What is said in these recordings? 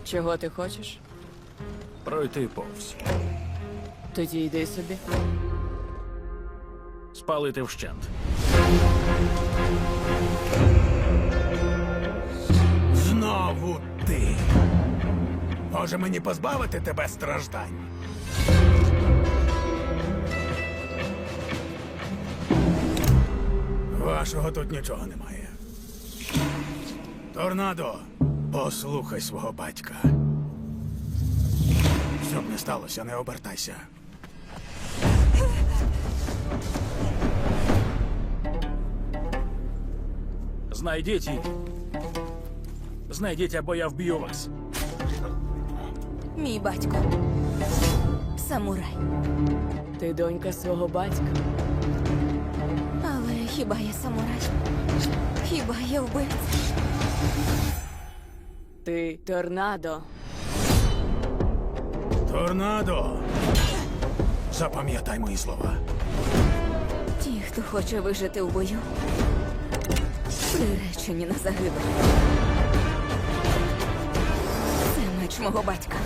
Чого ти хочеш? Пройти повз. Тоді йди собі. Спалити вщент. Знову ти. Може мені позбавити тебе страждань? Вашого тут нічого немає. Торнадо, послухай свого батька. Щоб не сталося, не обертайся. Знайдіть її. Знайдіть, або я вб'ю вас. Мій батько. Самурай. Ти донька свого батька. Але хіба я самурай? Хіба я вбивця? Ти торнадо. Торнадо! Запам'ятай мої слова. Ті, хто хоче вижити в бою, приречені на загибель. Це меч мого батька.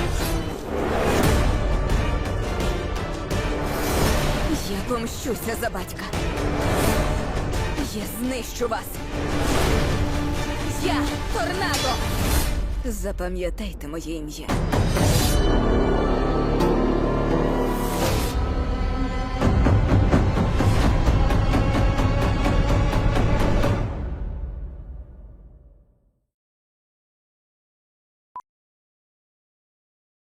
Я помщуся за батька. Я знищу вас. Я торнадо. Запам'ятайте моє ім'я.